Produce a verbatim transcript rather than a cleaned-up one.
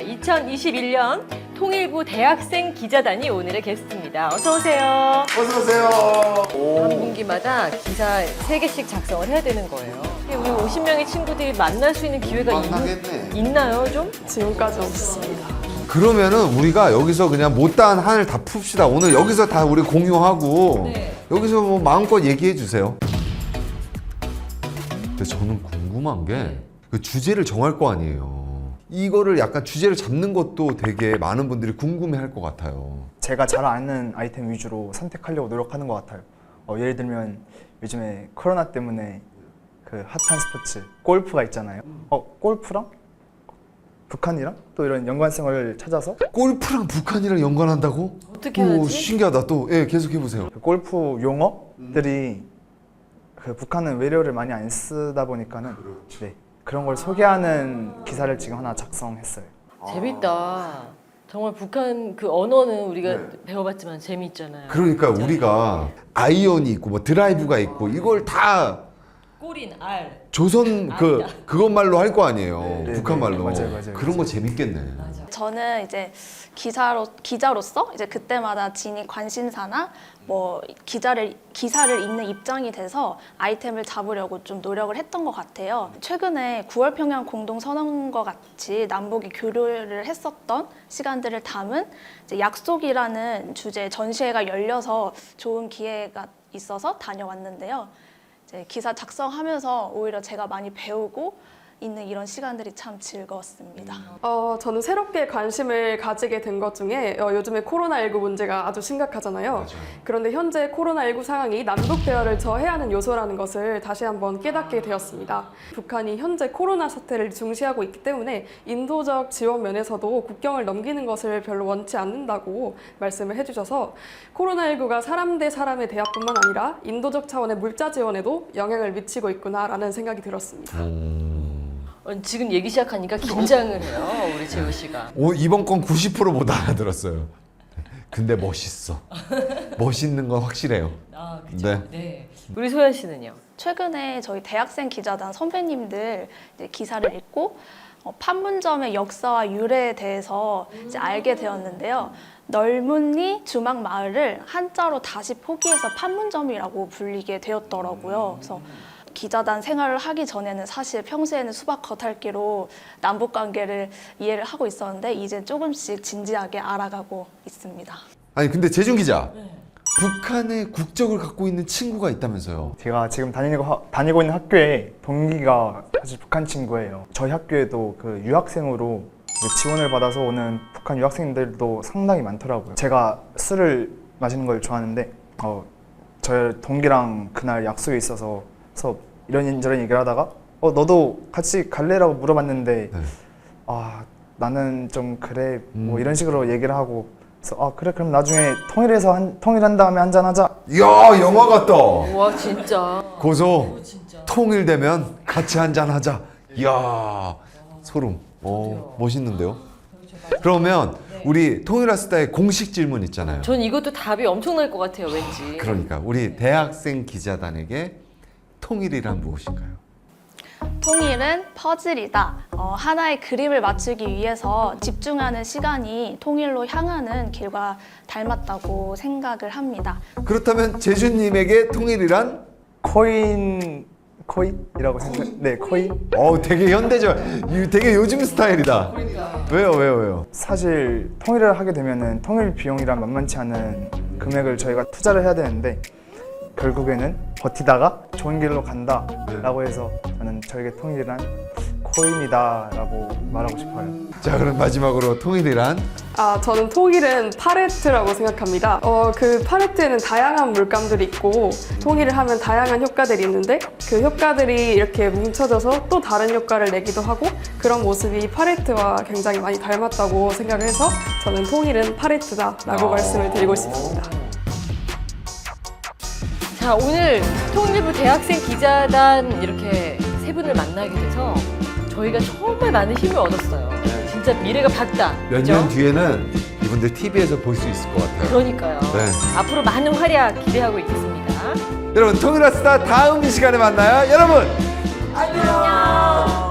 이천이십일 년 통일부 대학생 기자단이 오늘의 게스트입니다. 어서 오세요. 어서 오세요. 한 분기마다 기사 세 개씩 작성을 해야 되는 거예요. 우리 오십 명의 친구들이 만날 수 있는 기회가 만나겠네. 있, 있나요, 좀? 지금까지 없습니다. 그러면은 우리가 여기서 그냥 못다한 한을 다 풉시다. 오늘 여기서 다 우리 공유하고 네. 여기서 뭐 마음껏 얘기해 주세요. 근데 저는 궁금한 게 그 주제를 정할 거 아니에요. 이거를 약간 주제를 잡는 것도 되게 많은 분들이 궁금해할 것 같아요. 제가 잘 아는 아이템 위주로 선택하려고 노력하는 것 같아요. 어, 예를 들면 요즘에 코로나 때문에 그 핫한 스포츠 골프가 있잖아요. 어, 골프랑 북한이랑 또 이런 연관성을 찾아서 골프랑 북한이랑 연관한다고? 어떻게 오, 하지? 신기하다. 또 예, 계속 해보세요. 그 골프 용어들이 그 북한은 외래어를 많이 안 쓰다 보니까는 네, 그런 걸 소개하는 기사를 지금 하나 작성했어요. 재밌다. 정말 북한 그 언어는 우리가 네. 배워봤지만 재미있잖아요. 그러니까 진짜. 우리가 아이언이 있고 뭐 드라이브가 있고 이걸 다 꼬린 알. 조선 그 그것말로 할 거 아니에요. 네, 북한 네, 말로. 맞아요, 맞아요, 그런 거 맞아요. 재밌겠네. 맞아. 저는 이제 기사로 기자로서 이제 그때마다 지닌 관심사나 뭐 기자를 기사를 읽는 입장이 돼서 아이템을 잡으려고 좀 노력을 했던 것 같아요. 최근에 구월 평양 공동 선언과 같이 남북이 교류를 했었던 시간들을 담은 이제 약속이라는 주제 전시회가 열려서 좋은 기회가 있어서 다녀왔는데요. 이제 기사 작성하면서 오히려 제가 많이 배우고 있는 이런 시간들이 참 즐거웠습니다. 어, 저는 새롭게 관심을 가지게 된 것 중에 어, 요즘에 코로나십구 문제가 아주 심각하잖아요. 맞아요. 그런데 현재 코로나십구 상황이 남북 대화를 저해하는 요소라는 것을 다시 한번 깨닫게 되었습니다. 북한이 현재 코로나 사태를 중시하고 있기 때문에 인도적 지원 면에서도 국경을 넘기는 것을 별로 원치 않는다고 말씀을 해주셔서 코로나십구가 사람 대 사람의 대화뿐만 아니라 인도적 차원의 물자 지원에도 영향을 미치고 있구나라는 생각이 들었습니다. 어, 지금 얘기 시작하니까 긴장을 해요, 우리 재우 씨가. 오, 이번 건 구십 퍼센트 못 알아들었어요. 근데 멋있어. 멋있는 건 확실해요. 아, 그죠. 네. 네. 우리 소연 씨는요? 최근에 저희 대학생 기자단 선배님들 이제 기사를 읽고 어, 판문점의 역사와 유래에 대해서 이제 알게 되었는데요. 널문리 주막 마을을 한자로 다시 포기해서 판문점이라고 불리게 되었더라고요. 그래서 기자단 생활을 하기 전에는 사실 평소에는 수박 겉핥기로 남북 관계를 이해를 하고 있었는데 이제 조금씩 진지하게 알아가고 있습니다. 아니 근데 재준 기자, 북한의 국적을 갖고 있는 친구가 있다면서요? 제가 지금 다니고, 하- 다니고 있는 학교에 동기가 사실 북한 친구예요. 저희 학교에도 그 유학생으로 지원을 받아서 오는 북한 유학생들도 상당히 많더라고요. 제가 술을 마시는 걸 좋아하는데 어, 저 동기랑 그날 약속이 있어서 그래서 이런저런 얘기를 하다가 어 너도 같이 갈래라고 물어봤는데 네. 아 나는 좀 그래 뭐 음. 이런 식으로 얘기를 하고 그래서 아 그래 그럼 나중에 통일해서 한, 통일한 다음에 한잔 하자. 이야, 영화 같다. 와, 진짜. 고소. 진짜. 통일되면 같이 한잔 하자. 이야, 소름. 어, 멋있는데요? 그러면 우리 통일아스타의 공식 질문 있잖아요. 전 이것도 답이 엄청날 것 같아요, 왠지. 그러니까 우리 대학생 기자단에게 통일이란 무엇인가요? 통일은 퍼즐이다. 어, 하나의 그림을 맞추기 위해서 집중하는 시간이 통일로 향하는 길과 닮았다고 생각을 합니다. 그렇다면 재준님에게 통일이란? 코인 코인이라고 생각. 네 코인. 어, 되게 현대적, 이 되게 요즘 스타일이다. 왜요, 왜요, 왜요? 사실 통일을 하게 되면은 통일 비용이란 만만치 않은 금액을 저희가 투자를 해야 되는데 결국에는 버티다가 좋은 길로 간다라고 해서 저는 저에게 통일이란 코인이다라고 말하고 싶어요. 자, 그럼 마지막으로 통일이란? 아, 저는 통일은 팔레트라고 생각합니다. 어, 그 팔레트에는 다양한 물감들이 있고 통일을 하면 다양한 효과들이 있는데 그 효과들이 이렇게 뭉쳐져서 또 다른 효과를 내기도 하고 그런 모습이 팔레트와 굉장히 많이 닮았다고 생각을 해서 저는 통일은 팔레트다라고 아. 말씀을 드리고 싶습니다. 자, 오늘 통일부 대학생 기자단 이렇게 세 분을 만나게 돼서 저희가 정말 많은 힘을 얻었어요. 진짜 미래가 밝다. 몇 그죠? 년 뒤에는 이분들 티비에서 볼 수 있을 것 같아요. 그러니까요. 네. 앞으로 많은 활약 기대하고 있겠습니다. 여러분, 통일아스타 다음 이 시간에 만나요. 여러분! 안녕.